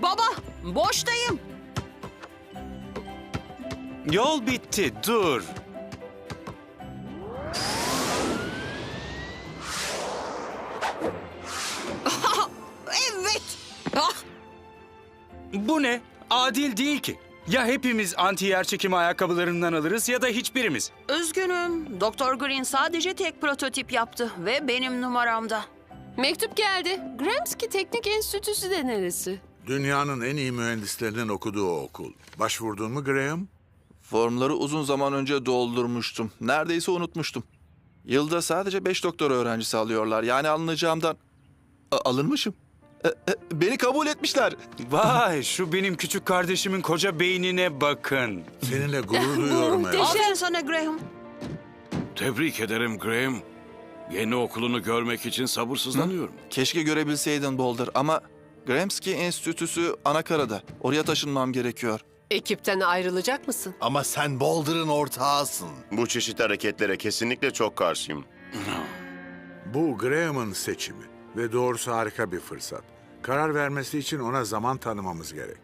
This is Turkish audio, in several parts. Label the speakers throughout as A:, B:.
A: Baba, boştayım.
B: Yol bitti, dur.
A: Evet. Ah,
B: Bu ne? Adil değil ki. Ya hepimiz anti yerçekimi ayakkabılarından alırız ya da hiçbirimiz.
A: üzgünüm. Doktor Green sadece tek prototip yaptı ve benim numaramda.
C: Mektup geldi. Gramsci Teknik Enstitüsü de neresi?
D: Dünyanın en iyi mühendislerinin okuduğu okul. Başvurdun mu Graham?
E: Formları uzun zaman önce doldurmuştum. Neredeyse unutmuştum. Yılda sadece 5 doktora öğrencisi alıyorlar. Yani alınacağımdan... alınmışım. Beni kabul etmişler.
B: Vay, şu benim küçük kardeşimin koca beynine bakın.
D: Seninle gurur duyuyorum evlat.
A: Aferin sana Graham.
F: Tebrik ederim Graham. Yeni okulunu görmek için sabırsızlanıyorum.
E: Keşke görebilseydin Boulder ama... Gramsci Enstitüsü Anakara'da. Oraya taşınmam gerekiyor.
C: Ekipten ayrılacak mısın?
G: Ama sen Boulder'ın ortağısın.
H: Bu çeşit hareketlere kesinlikle çok karşıyım.
D: Bu Graham'ın seçimi ve doğrusu harika bir fırsat. Karar vermesi için ona zaman tanımamız gerek.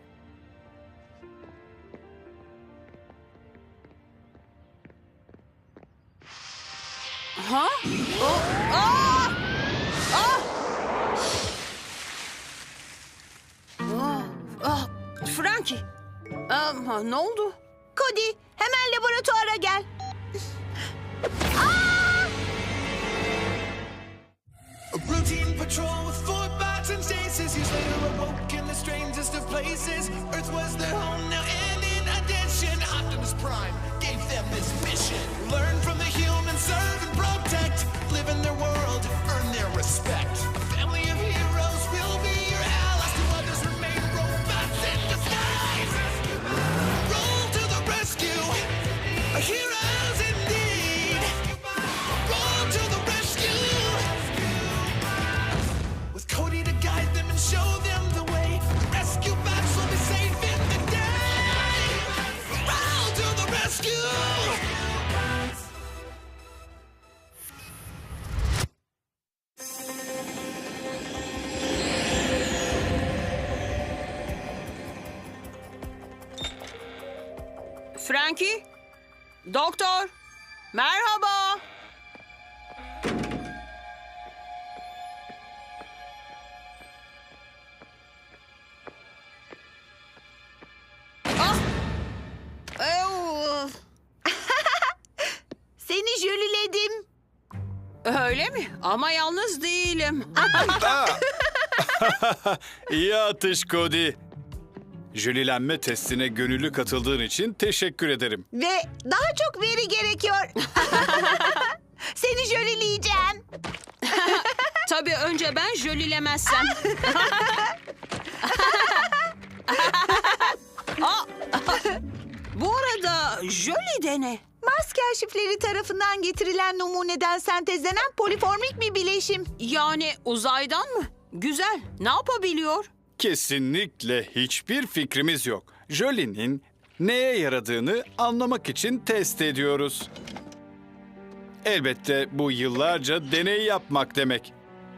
A: Ha? Aa! Frankie. Ne oldu?
I: Cody, hemen laboratuvara gel.
J: A routine patrol with 4 bots and stasis. Years later awoke in the strangest of places. Earth was their home now, and in addition, Optimus Prime gave them this mission. Learn from the humans, serve and protect. Live in their world, earn their respect. A family of heroes will be your allies. To others remain robots in disguise. Roll to the rescue. Heroes indeed. Roll to the rescue. With Cody to guide them and show them the way. Rescue bots will be safe in the day. Roll to the rescue.
A: Frankie? Doktor? Merhaba. Ah! Ew!
I: Seni jöliledim.
A: Öyle mi? Ama yalnız değilim.
K: İyi atış Cody. Jölilenme testine gönüllü katıldığın için teşekkür ederim.
I: Ve daha çok veri gerekiyor. Seni jölileyeceğim.
A: Tabii önce ben jölilemezsem. Aa! Bu arada jöli de ne?
I: Mars kaşifleri tarafından getirilen numuneden sentezlenen poliformik bir bileşim.
A: Yani uzaydan mı? Güzel. Ne yapabiliyor?
K: Kesinlikle hiçbir fikrimiz yok. Jölie'nin neye yaradığını anlamak için test ediyoruz. Elbette bu yıllarca deney yapmak demek.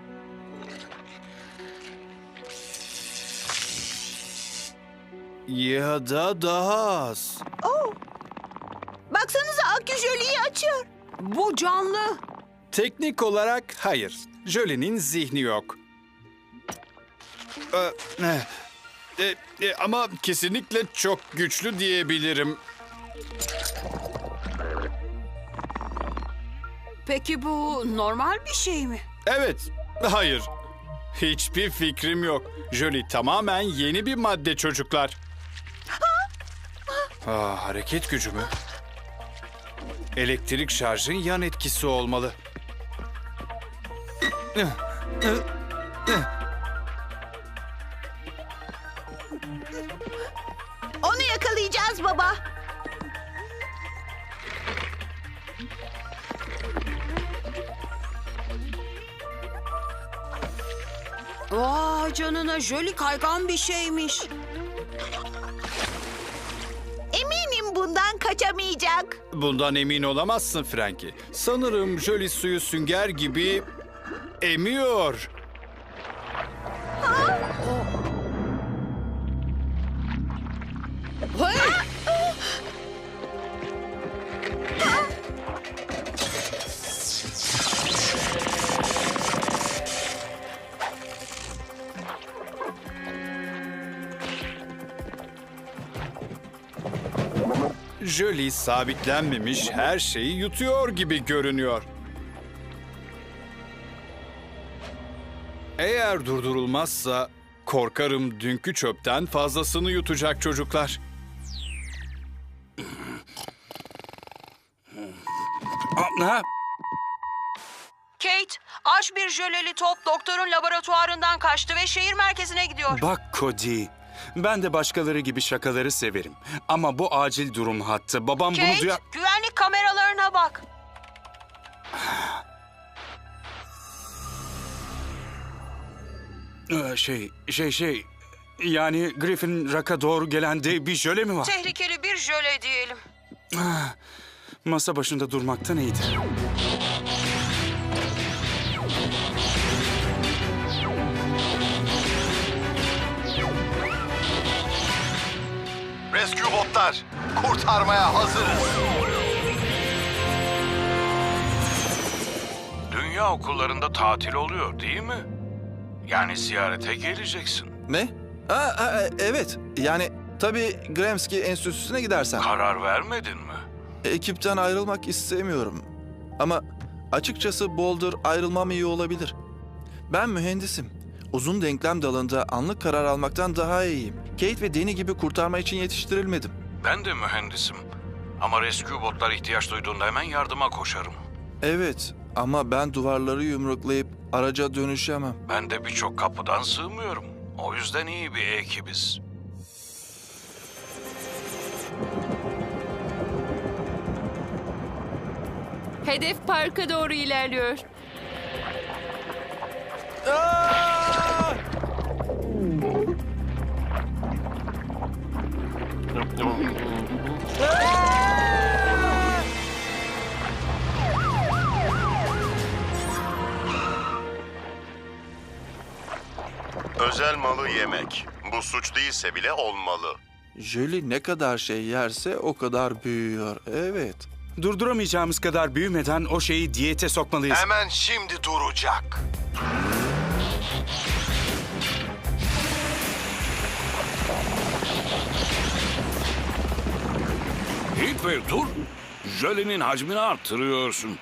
K: Ya da daha az.
I: Baksanıza akü jöliyi açıyor.
A: Bu canlı.
K: Teknik olarak hayır. Jölie'nin zihni yok. Ama kesinlikle çok güçlü diyebilirim.
A: Peki bu normal bir şey mi?
K: Evet, hayır. Hiçbir fikrim yok. Jolie tamamen yeni bir madde çocuklar. Hareket gücü mü? Elektrik şarjın yan etkisi olmalı.
I: Onu yakalayacağız baba.
A: Vay canına, jöli kaygan bir şeymiş.
I: Eminim bundan kaçamayacak.
K: Bundan emin olamazsın Frankie. Sanırım Jolie suyu sünger gibi emiyor. Jolie sabitlenmemiş her şeyi yutuyor gibi görünüyor. Eğer durdurulmazsa korkarım dünkü çöpten fazlasını yutacak çocuklar.
B: Ha?
A: Kate, aç bir jöleli top doktorun laboratuvarından kaçtı ve şehir merkezine gidiyor.
B: Bak Cody, ben de başkaları gibi şakaları severim. Ama bu acil durum hattı. Babam bunu
A: Kate,
B: duyar...
A: güvenlik kameralarına bak.
B: Yani Griffin Rock'a doğru gelen dev bir jöle mi var?
A: Tehlikeli bir jöle diyelim.
B: Masa başında durmaktan iyidir.
G: Rescue botlar, kurtarmaya hazırız.
F: Dünya okullarında tatil oluyor değil mi? Yani ziyarete geleceksin.
E: Ne? Evet. Yani tabii Gramsci Enstitüsü'ne gidersen.
F: Karar vermedin mi?
E: Ekipten ayrılmak istemiyorum. Ama açıkçası Boulder ayrılmam iyi olabilir. Ben mühendisim. Uzun denklem dalında anlık karar almaktan daha iyiyim. Kate ve Danny gibi kurtarma için yetiştirilmedim.
F: Ben de mühendisim. Ama rescue botlar ihtiyaç duyduğunda hemen yardıma koşarım.
E: Evet ama ben duvarları yumruklayıp araca dönüşemem.
F: Ben de birçok kapıdan sığmıyorum. O yüzden iyi bir ekibiz.
C: Hedef parka doğru ilerliyor.
H: Özel malı yemek. Bu suç değilse bile olmalı.
E: Jolie ne kadar şey yerse o kadar büyüyor. Evet.
B: Durduramayacağımız kadar büyümeden o şeyi diyete sokmalıyız.
G: Hemen şimdi duracak.
F: Heathcliff dur. Jölenin hacmini arttırıyorsun.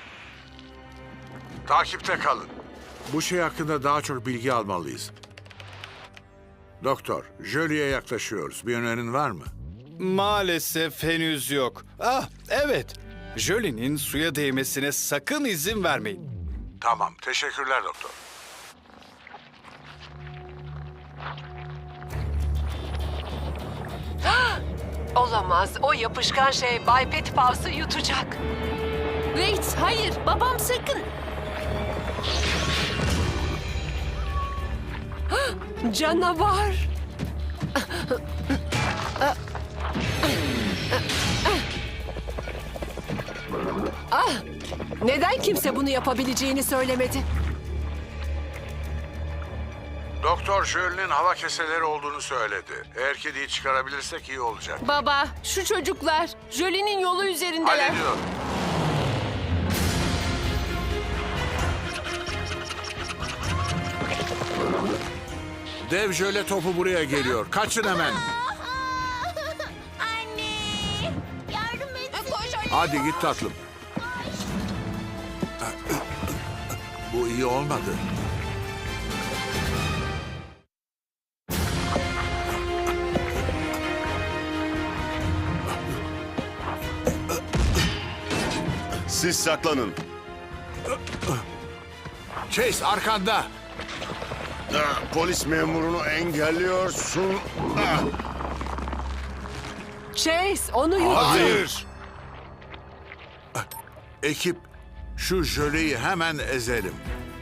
D: Takipte kalın. Bu şey hakkında daha çok bilgi almalıyız. Doktor, Jolie'ye yaklaşıyoruz. Bir önerin var mı?
K: Maalesef henüz yok. Evet. Jolie'nin suya değmesine sakın izin vermeyin.
D: Tamam, teşekkürler doktor.
L: Olamaz. O yapışkan şey Bay Petipavs'ı yutacak.
C: Wait, hayır. Babam sakın.
L: Canavar. Neden kimse bunu yapabileceğini söylemedi?
D: Doktor Jolie'nin hava keseleri olduğunu söyledi. Eğer kediyi çıkarabilirsek iyi olacak.
C: Baba, şu çocuklar Jolie'nin yolu üzerindeler.
D: Hallediyor. Dev jöle topu buraya geliyor. Kaçın hemen.
I: Anne! Yardım et.
D: Hadi git tatlım. Bu iyi olmadı.
H: Siz saklanın.
D: Chase arkanda.
H: Polis memurunu engelliyorsun.
L: Chase, onu yuttu.
D: Hayır. Ekip, şu jöleyi hemen ezelim.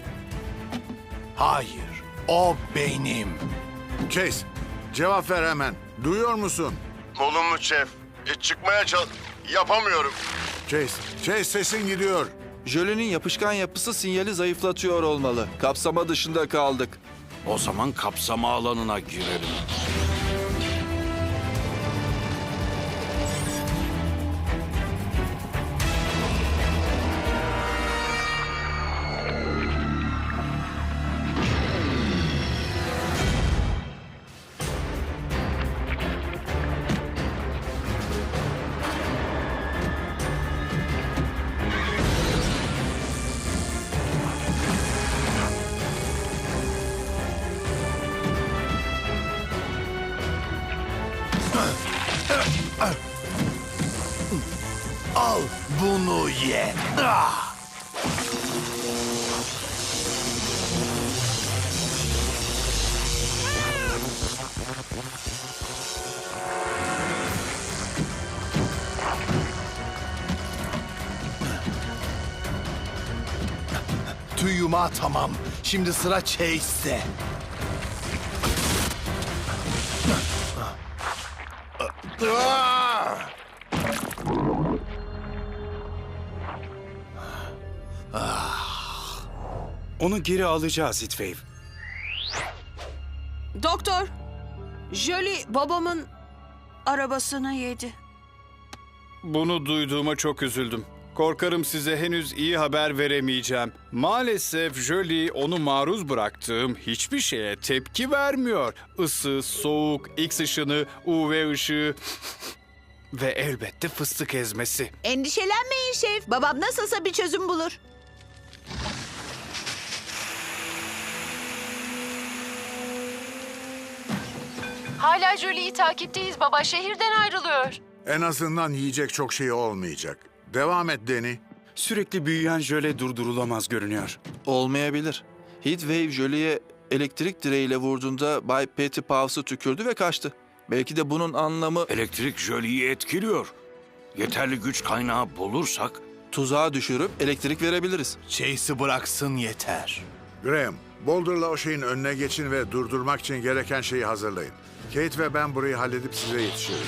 G: Hayır, o benim.
D: Chase, cevap ver hemen. Duyuyor musun?
H: Olumlu şef. Çıkmaya yapamıyorum.
D: Chase sesin gidiyor.
E: Jolie'nin yapışkan yapısı sinyali zayıflatıyor olmalı. Kapsama dışında kaldık.
F: O zaman kapsama alanına girelim.
G: bekle. Ah! Tüy yumağı tamam. Şimdi sıra Chase'de.
B: Onu geri alacağız Heatwave.
A: Doktor, Jolie babamın arabasını yedi.
K: Bunu duyduğuma çok üzüldüm. Korkarım size henüz iyi haber veremeyeceğim. Maalesef Jolie onu maruz bıraktığım hiçbir şeye tepki vermiyor. Isı, soğuk, X ışını, UV ışığı ve elbette fıstık ezmesi.
I: Endişelenmeyin şef. Babam nasılsa bir çözüm bulur.
L: Hala Jolie'yi takipteyiz baba. Şehirden ayrılıyor.
D: En azından yiyecek çok şey olmayacak. Devam et Danny.
B: Sürekli büyüyen jöle durdurulamaz görünüyor.
E: Olmayabilir. Heatwave Jolie'ye elektrik direğiyle vurduğunda Bay Petty Pavs'ı tükürdü ve kaçtı. Belki de bunun anlamı
F: Elektrik Jolie'yi etkiliyor. Yeterli güç kaynağı bulursak
E: tuzağa düşürüp elektrik verebiliriz.
G: Chase'i bıraksın yeter.
D: Graham, Boulder'la o şeyin önüne geçin ve durdurmak için gereken şeyi hazırlayın. Kate ve ben burayı halledip size yetişiriz.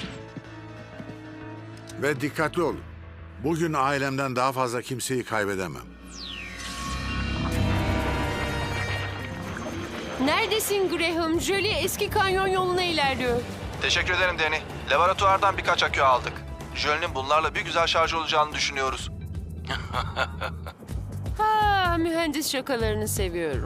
D: Ve dikkatli olun. Bugün ailemden daha fazla kimseyi kaybedemem.
C: Neredesin Graham? Jolie eski kanyon yoluna ilerliyor.
E: Teşekkür ederim Danny. Laboratuvardan birkaç akü aldık. Jölie'nin bunlarla bir güzel şarj olacağını düşünüyoruz.
C: Ha, mühendis şakalarını seviyorum.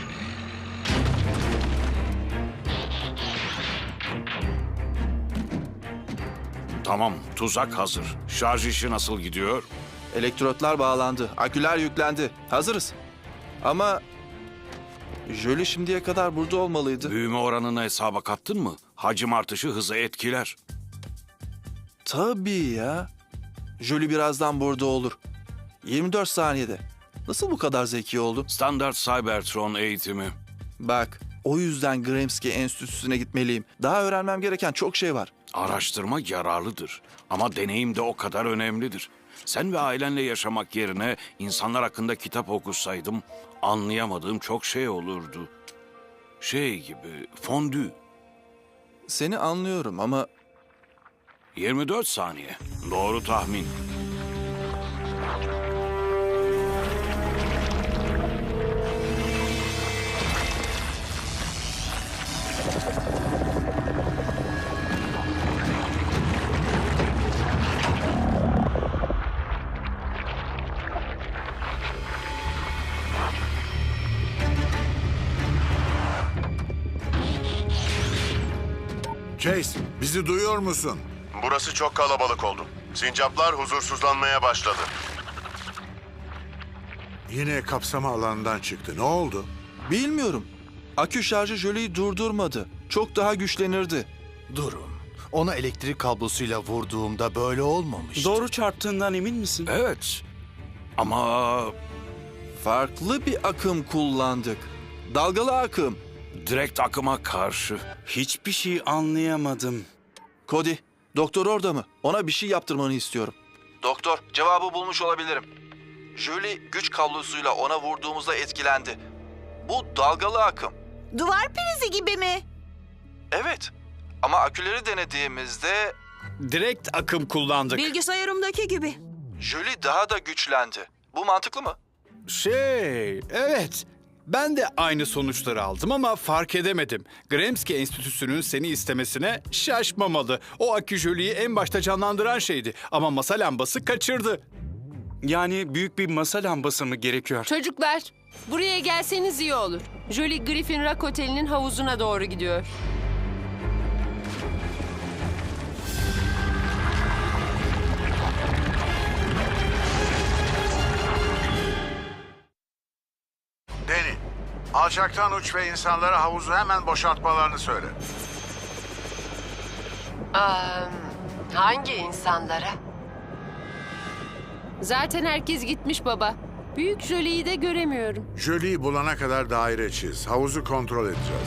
F: tamam, tuzak hazır. Şarj işi nasıl gidiyor?
E: Elektrotlar bağlandı, aküler yüklendi. Hazırız. Ama Jolie şimdiye kadar burada olmalıydı.
F: Büyüme oranını hesaba kattın mı? Hacim artışı hızı etkiler.
E: Tabii ya. Jolie birazdan burada olur. 24 saniyede. Nasıl bu kadar zeki oldu?
F: Standart Cybertron eğitimi.
E: Bak, o yüzden Gramsci Enstitüsü'ne gitmeliyim. Daha öğrenmem gereken çok şey var.
F: Araştırma yararlıdır. Ama deneyim de o kadar önemlidir. Sen ve ailenle yaşamak yerine insanlar hakkında kitap okusaydım anlayamadığım çok şey olurdu. Şey gibi, fondü.
E: Seni anlıyorum ama
F: 24 saniye. Doğru tahmin.
D: Chase, bizi duyuyor musun?
H: Burası çok kalabalık oldu. Sincaplar huzursuzlanmaya başladı.
D: Yine kapsama alanından çıktı. Ne oldu?
E: bilmiyorum. Akü şarjı Jolie'yi durdurmadı. Çok daha güçlenirdi.
G: Durun. Ona elektrik kablosuyla vurduğumda böyle olmamıştı.
B: Doğru çarptığından emin misin?
F: Evet. Ama
E: Farklı bir akım kullandık. Dalgalı akım.
F: direkt akıma karşı.
B: Hiçbir şey anlayamadım.
E: Cody, doktor orada mı? Ona bir şey yaptırmanı istiyorum. Doktor, cevabı bulmuş olabilirim. Jolie güç kablosuyla ona vurduğumuzda etkilendi. Bu dalgalı akım.
I: Duvar prizi gibi mi?
E: Evet. Ama aküleri denediğimizde
K: Direkt akım kullandık.
A: Bilgisayarımdaki gibi.
E: Jolie daha da güçlendi. Bu mantıklı mı?
K: Evet. Ben de aynı sonuçları aldım ama fark edemedim. Gramsci Enstitüsü'nün seni istemesine şaşmamalı. O akü Jolie'yi en başta canlandıran şeydi ama masa lambası kaçırdı.
B: Yani büyük bir masa lambası mı gerekiyor?
C: Çocuklar, buraya gelseniz iyi olur. Jolie Griffin Rock Oteli'nin havuzuna doğru gidiyor.
D: Danny, alçaktan uç ve insanlara havuzu hemen boşaltmalarını söyle.
L: Hangi insanlara?
C: Zaten herkes gitmiş baba. Büyük Jolie'yi de göremiyorum.
D: Jolie'yi bulana kadar daire çiz. Havuzu kontrol edeceğiz.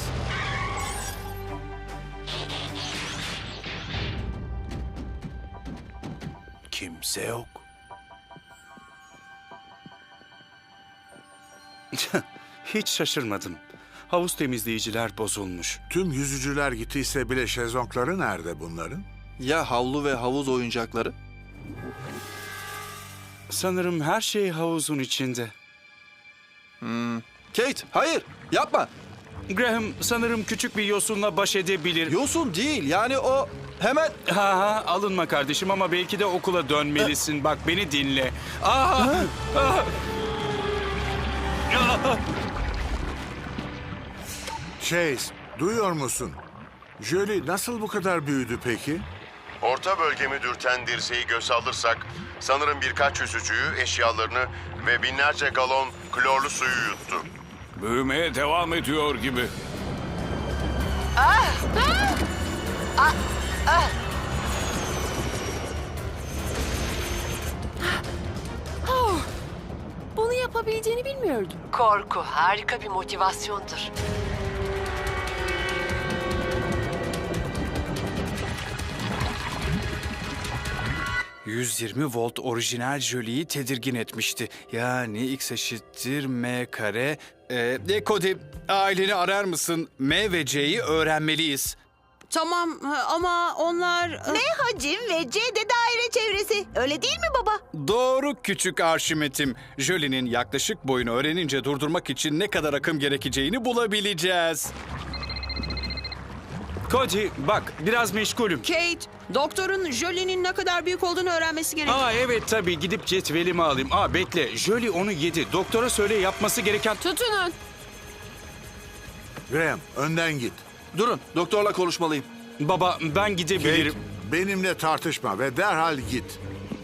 G: Kimse yok.
B: Hiç şaşırmadım. Havuz temizleyiciler bozulmuş.
D: Tüm yüzücüler gittiyse bile şezlongları nerede bunların?
E: Ya havlu ve havuz oyuncakları?
B: Sanırım her şey havuzun içinde.
E: Kate, hayır, yapma.
B: Graham sanırım küçük bir yosunla baş edebilir.
E: Yosun değil, yani o hemen...
B: Ha, alınma kardeşim ama belki de okula dönmelisin. Bak beni dinle.
D: Chase, duyuyor musun? Jolie nasıl bu kadar büyüdü peki?
H: Orta bölgemi dürten dirseği göze alırsak sanırım birkaç yüzücüyü, eşyalarını ve binlerce galon klorlu suyu yuttu.
F: Büyümeye devam ediyor gibi.
C: Bunu yapabileceğini bilmiyordum.
L: Korku harika bir motivasyondur.
K: ...120 volt orijinal Jolie'yi tedirgin etmişti. Yani X eşittir M kare. Cody, aileni arar mısın? M ve C'yi öğrenmeliyiz.
A: Tamam ama onlar...
I: Ne hacim ve C de daire çevresi. Öyle değil mi baba?
K: Doğru küçük Arşimet'im. Jolie'nin yaklaşık boyunu öğrenince durdurmak için ne kadar akım gerekeceğini bulabileceğiz.
B: Cody bak biraz meşgulüm.
A: Kate, doktorun Jolie'nin ne kadar büyük olduğunu öğrenmesi gerek.
B: Evet tabii gidip cetvelimi alayım. Bekle Jolie onu yedi. Doktora söyle yapması gereken...
C: Tutunun.
D: Graham, önden git.
E: Durun, doktorla konuşmalıyım.
B: Baba ben gidebilirim.
D: Kate, benimle tartışma ve derhal git.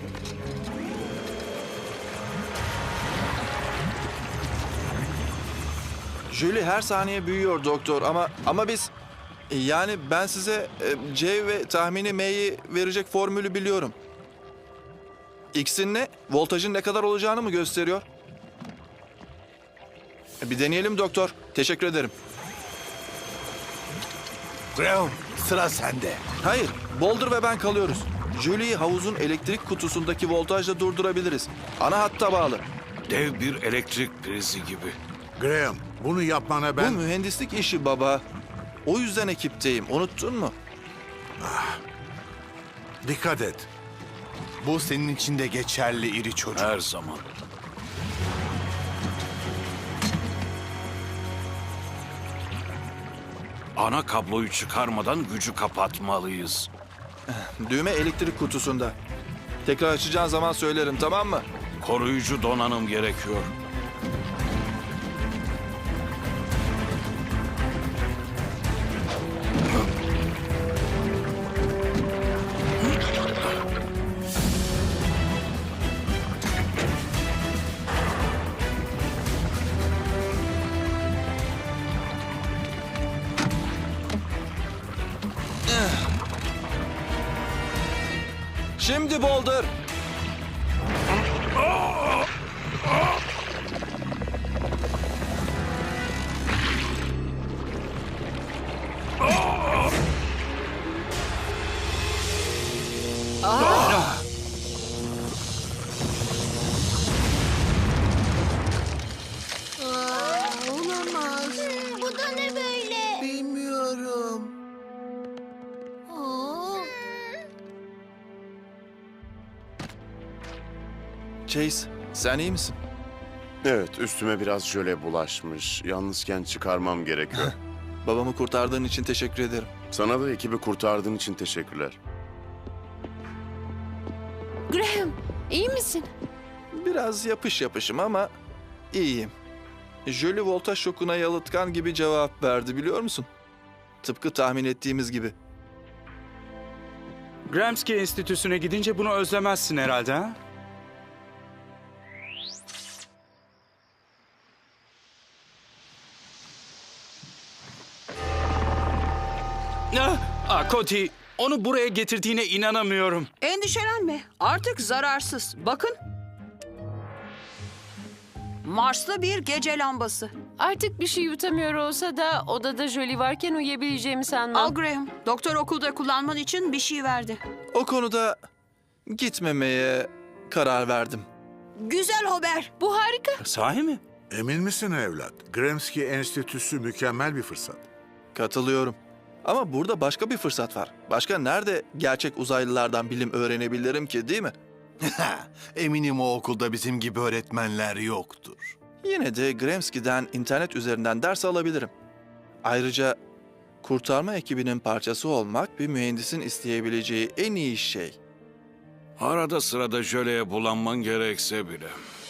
E: Jolie her saniye büyüyor doktor ama biz... Yani ben size C ve tahmini M'yi verecek formülü biliyorum. X'in ne? Voltajın ne kadar olacağını mı gösteriyor? Bir deneyelim doktor. Teşekkür ederim.
G: Graham, sıra sende.
E: Hayır, Boulder ve ben kalıyoruz. Jolie'yi havuzun elektrik kutusundaki voltajla durdurabiliriz. Ana hatta bağlı.
F: Dev bir elektrik prizi gibi.
D: Graham, bunu yapmana
E: Bu
D: ben...
E: mühendislik işi baba. O yüzden ekipteyim. Unuttun mu?
D: Dikkat et.
G: Bu senin için de geçerli iri çocuk.
F: Her zaman. Ana kabloyu çıkarmadan gücü kapatmalıyız.
E: Düğme elektrik kutusunda. Tekrar açacağın zaman söylerim, tamam mı?
F: Koruyucu donanım gerekiyor.
E: Şimdi Boulder.
I: Olamaz. Bu da ne böyle?
G: Bilmiyorum.
E: Chase, sen iyi misin?
H: Evet, üstüme biraz jöle bulaşmış. Yalnızken çıkarmam gerekiyor.
E: Babamı kurtardığın için teşekkür ederim.
H: Sana da ekibi kurtardığın için teşekkürler.
C: Graham, iyi misin?
E: Biraz yapışım ama iyiyim. Jolie voltaj şokuna yalıtkan gibi cevap verdi, biliyor musun? Tıpkı tahmin ettiğimiz gibi.
B: Gramsci Enstitüsü'ne gidince bunu özlemezsin herhalde ha? Cody, onu buraya getirdiğine inanamıyorum.
A: Endişelenme. Artık zararsız. Bakın. Marslı bir gece lambası.
C: Artık bir şey yutamıyor olsa da odada Jolie varken uyuyabileceğimi sanmam.
A: Al Graham, doktor okulda kullanman için bir şey verdi.
E: O konuda gitmemeye karar verdim.
A: Güzel haber.
C: Bu harika.
B: Sahi mi?
D: Emin misin evlat? Gramsci Enstitüsü mükemmel bir fırsat.
E: Katılıyorum. Ama burada başka bir fırsat var. Başka nerede gerçek uzaylılardan bilim öğrenebilirim ki, değil mi?
G: Eminim o okulda bizim gibi öğretmenler yoktur.
E: Yine de Gramsci'den internet üzerinden ders alabilirim. Ayrıca kurtarma ekibinin parçası olmak bir mühendisin isteyebileceği en iyi şey.
F: Arada sırada jöleye bulanman gerekse bile.